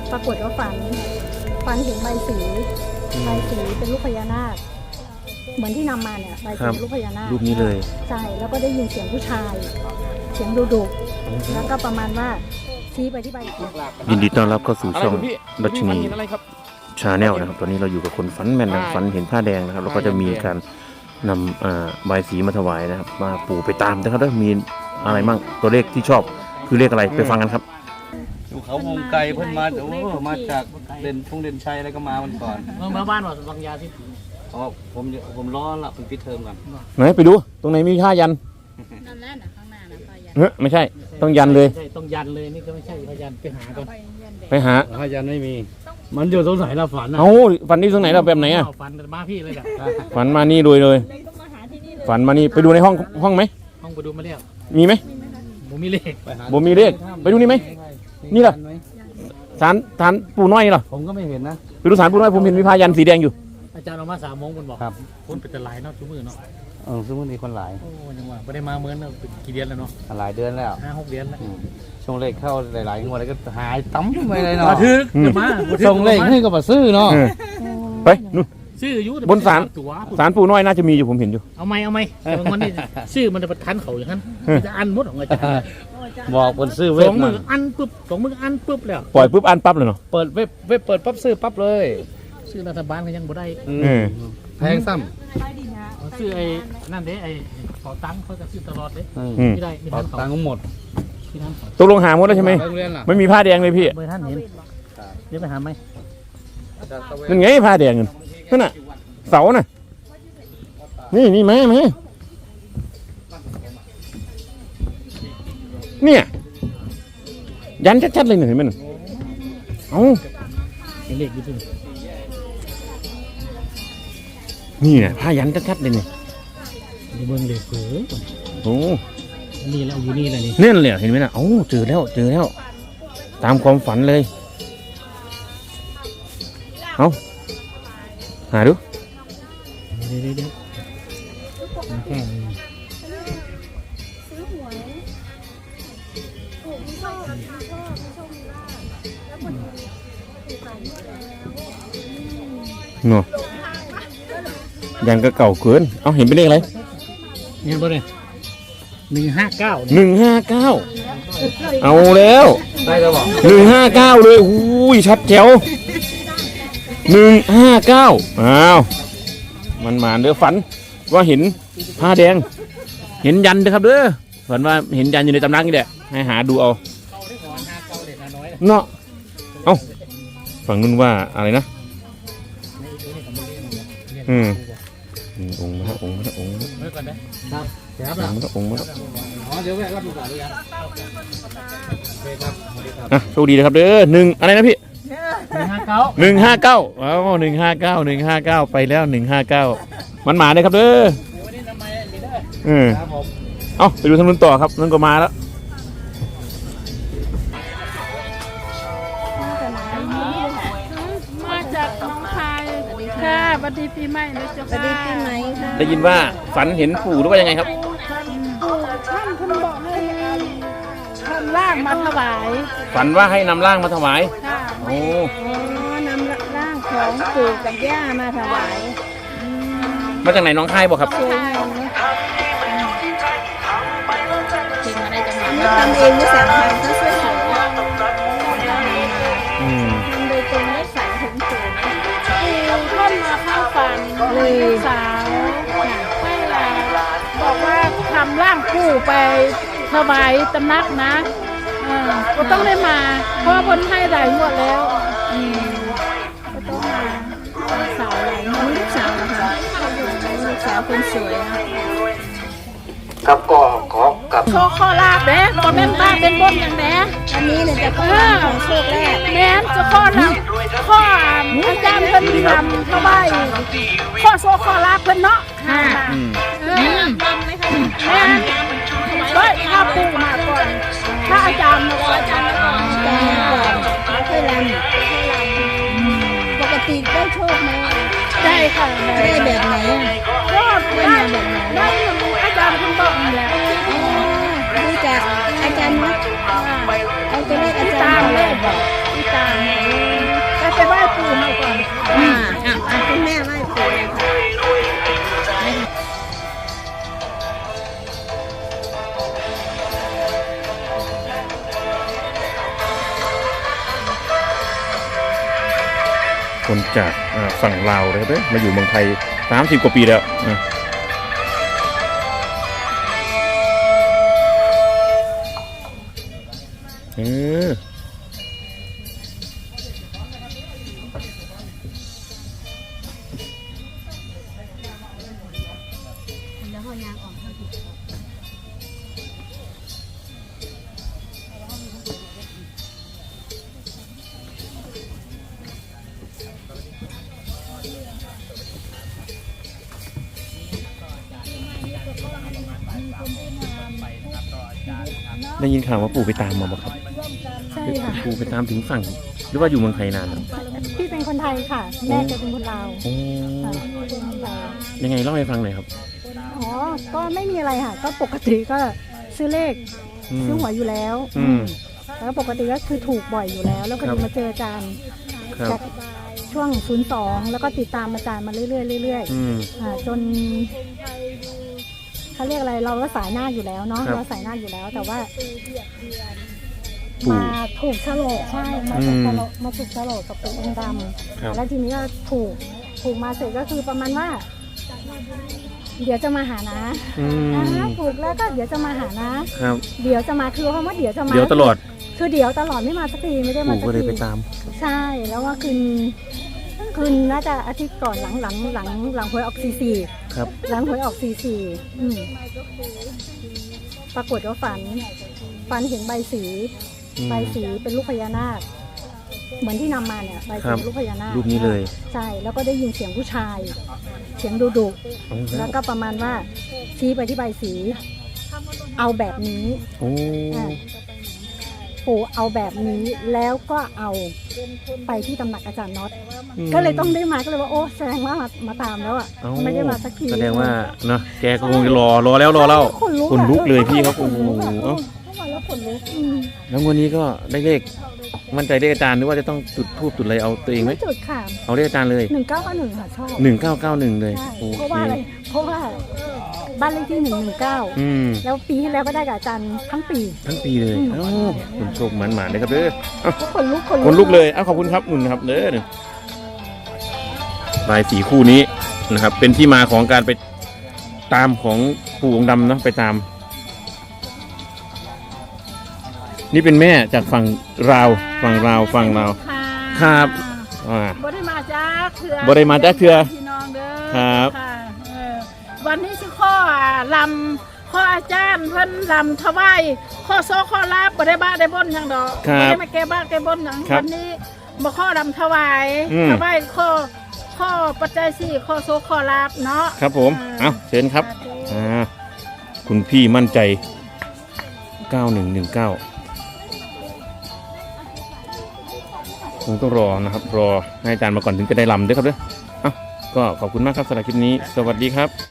ปรากฏว่าฝันเห็นใบสีเป็นลูกพญานาคเหมือนที่นำมาเนี่ยใบสีลูกพญานาครูปนี้เลยใช่แล้วก็ได้ยินเสียงผู้ชายเสียงดุๆแล้วก็ประมาณว่าชี้ไปที่ใบสียินดีต้อนรับเข้าสู่ช่องรัชนีชาแนลนะครับตอนนี้เราอยู่กับคนฝันแม่นฝันเห็นผ้าแดงนะครับแล้วก็จะมีการนำใบสีมาถวายนะครับมาปู่ไปตามนะครับแล้วมีอะไรบ้างตัวเลขที่ชอบคือเลขอะไรไปฟังกันครับอยู่เขาวงไกลเพิ่นมามาจากเด่นชัยอะไรก็มาวันก่อนมาบ้านว่าบางยาที่อ๋อผมร้อนละเป็นปิดเทอมกันไหนไปดูตรงไหนมีผ้ายันนั่นแหละนะข้างหน้านะผ้ายันไม่ใช่ต้องยันเลยต้องยันเลยนี่ก็ไม่ใช่ผ้ายันไปหาก่อนไปหาผ้ายันไม่มีมันอยู่ตรงไหนเราฝันเอ้าฝันที่ตรงไหนเราแบบไหนอ่ะฝันมาพี่เลยแหละฝันมานี่เลยฝันมานี่ไปดูในห้องไหมห้องไปดูมาแล้วมีไหมบ่มีเลขไปดูนี่ไหมนี่เหรอศาลปู่น้อยเหรอผมก็ไม่เห็นนะไปดูศาลปู่น้อยผมเห็นมีผ้ายันสีแดงอยู่อาจารย์ออกมา3 โมงคนบอกครับคนเป็นแต่หลายเนาะทุกมื้อเนาะทุกมื้อมีคนหลายโอ้ยังว่าไม่ได้มาเหมือนกี่เดือนแล้วเนาะหลายเดือนแล้ว 5-6 เดือนแล้วช่วงเลขเข้าหลายๆงวดแล้วก็หายตั้มไปเลยเนาะมาถึงมาส่งเลขให้ก็มาซื้อเนาะไปนู่นซื้ออยู่บนศาลปู่น้อยน่าจะมีอยู่ผมเห็นอยู่เอาไหมบางวันนี่ชื่อมันจะประทันเขาอย่างนั้นจะอันมดของอาจารย์บอกคนซื้อเว็บ 2 มื้ออันปุ๊บ2 มื้ออันปุ๊บแล้วปล่อยปุ๊บอันปั๊บเลยเนาะเปิดเว็บเปิดปั๊บซื้อปั๊บเลยซื้อรัฐบาลก็ยังบ่ได้แพงซ้ำซื้อไอ้นั่นเด้ไอ้ขอตังค์เขาจะซื้อตลอดเด้ไม่ได้ขอตังค์หมดตกลงหาหมดแล้วใช่ไหมไม่มีผ้าแดงเลยพี่เบอร์ท่านเห็นเดี๋ยวไปหาไหมนั่นไงผ้าแดงนั่นน่ะเสาน่ะนี่ไหมเนี่ยยันชัดๆเลยเห็นไหมเอ้าเลขอยู่ที่นี่นะผ้ายันชัดๆเลยเนี่ยเบิ่งเลขโอ้นี่แล้วอยู่นี่แหละนี่เนี่ยเลยเห็นไหมนะเอ้าเจอแล้วตามความฝันเลยเอาหาดูเดี๋ยวแค่นี้เนาะยังก็เก่าเกินเอาเห็นเป็นเลขอะไรเห็นป่ะเนี่ย159 เอาแล้วได้แล้วบอก 159เลยอุ้ยชัดแจ๋ว159อ้าวมันมาเด้อฝันว่าเห็นผ้าแดงเห็นยันเด้อครับเด้อฝันว่าเห็นยันอยู่ในตำนักนี่แหละให้หาดูเอาเนาะเอาฝั่งนู้นว่าอะไรนะองค์มาองค์มาเดี๋ยวแวะรับดูก่อนเลยครับโชคดีนะครับเด้ออะไรนะพี่159อ๋อ159ไปแล้ว159มันมาเลยครับเด้อเอาไปดูทางนู้นต่อครับนั่นก็มาแล้วมาจากน้องคายค่ะสวัสดีปีใหม่นะเจ้าค่ะสวัสดีปีใหม่ค่ะได้ยินว่าฝันเห็นปู่หรือว่ายังไงครับท่านคุณบอกให้นำร่างมาถวายฝันว่าให้นำร่างมาถวายโอ้นำร่างของปู่กับย่ามาถวายมาจากไหนน้องคายบอกครับทำเองไม่สั่งใครเขาช่วยเหลือทำโดยตรงได้สั่งถึงปู่ท่านมาเข้าฝันลูกสาวให้บอกว่าทำร่างปู่ไปถวายตำนักนะก็ต้องได้มาเพราะว่าคนให้หลายงวดแล้วก็ต้องมาลูกสาวหลายงวดลูกสาวนะคะลูกสาวคนสวยครับก็ขอกับโชคข้อลาบเด้บนแม่นบ้านเป็นบนอย่างแม่อันนี้เนี่ยจะข้อของโชคแรกแม่จะข้อลาบข้ออาจารย์เพิ่นทำเข้าไปข้อโชคข้อลาบเพิ่นเนาะค่ะแม่ก็ถ้าปู่มาก่อนถ้าอาจารย์มาก่อนก่อนแล้วค่อยรำปกติได้โชคไหมได้ค่ะได้แบบไหนก็ได้แบบไหนได้อาจารย์คุณบอกมาแล้วดูจากอาจารย์นะเอาตัวเลขอาจารย์เลยบอกที่ตามคนจากฝั่งลาวเลยครับมาอยู่เมืองไทย30 กว่าปีแล้วนะแล้วพอยางออกได้ยินข่าวว่าปู่ไปตามมาบ่ครับใช่ค่ะปู่ไปตามถึงฝั่งหรือว่าอยู่เมืองไทยนานแล้วพี่เป็นคนไทยค่ะ แม่จะเป็นคนลาวโอ้ค่ะเป็นคนลาวยังไงเล่าให้ฟังหน่อยครับอ๋อ ก็ไม่มีอะไรค่ะ ก็ปกติก็ซื้อเลข ซื้อหวยอยู่แล้ว แล้วปกติก็คือถูกบ่อยอยู่แล้ว แล้วก็มาเจออาจารย์ครับจากช่วง02แล้วก็ติดตามอาจารย์มาเรื่อยๆเรื่อยๆจนเขาเรียกอะไรเราก็สายหน้าอยู่แล้วเนาะเราสายหน้าอยู่แล้ว แต่ว่ามาถูกโฉลกใช่มาถูกโฉลกกับปู่องค์ดำแล้วทีนี้ก็ถูกมาเสร็จก็คือประมาณว่า เดี๋ยวจะมาหานะถูกแล้วก็เดี๋ยวจะมาหานะครับ เดี๋ยวจะมาคือคำว่าเดี๋ยวจะมาเดี๋ยวตลอดคือเดี๋ยวตลอดไม่มาสักทีไม่ได้มาปู่สักก็เลยทีไปตามใช่แล้วว่าคืนน่าจะอาทิตย์ก่อนหลังหวยออก44 ครับหลังหวยออกปรากฏว่าฝันเห็นใบสีเป็นลูกพญานาคเหมือนที่นำมาเนี่ยใบสีลูกพญานาครูปนี้เลยใช่แล้วก็ได้ยินเสียงผู้ชาย เสียงดุๆแล้วก็ประมาณว่าชี้ไปที่ใบสีเอาแบบนี้โอ้ปู่เอาแบบนี้แล้วก็เอาไปที่ตำหนักอาจารย์น็อตก็เลยต้องได้มาก็เลยว่าโอ้แสดงว่ามาตามแล้วอ่ะไม่ได้มาสักทีแสดงว่าเนาะแกก็คงจะรอแล้ว คนลุกเลยพี่ครับโอ้โหเข้ามาแล้วขนลุกแล้ววันนี้ก็ได้เลขมั่นใจเลขอาจารย์หรือว่าจะต้องจุดธูปจุดอะไรเอาตัวเองไหมไม่จุดค่ะเอาเลขอาจารย์เลย 1991ค่ะชอบ 1991เลยใช่โอเพราะเคว่าอะไรเพราะว่าบ้านเลขที่119แล้วปีที่แล้วก็ได้กับอาจารย์ทั้งปีทั้งปีเลยเอ้าคุณโชคหมานๆเลยครับเด้อขนลุกคนลุกเลยขอบคุณครับนุ่นครับเด้อลายสีคู่นี้นะครับ เป็นที่มาของการไปตามของปู่องค์ดำเนาะไปตาม นี่เป็นแม่จากฝั่งลาวครับบ่ได้มาจากเถื่อบ่ได้มาจากเทื่อพี่น้องเด้อครับะวันนี้สิข้อลำข้ออาจารย์เพิ่นลำถวายข้อโซข้อลาบบ่ได้บ้าได้บ่นหยังดอกครับบ่ได้มาแก้บ้าแก้บ่นหยังครับวันนี้บ่ข้อลำถวาย ถวายข้อปัจจัย4ข้อโซข้อลาบเนาะครับผมเอาเชิญครับคุณพี่มั่นใจ 9119คงต้องรอนะครับ รอให้อาจารย์มาก่อนถึงจะได้ลำด้วยครับเด้อก็ขอบคุณมากครับสำหรับคลิปนี้สวัสดีครับ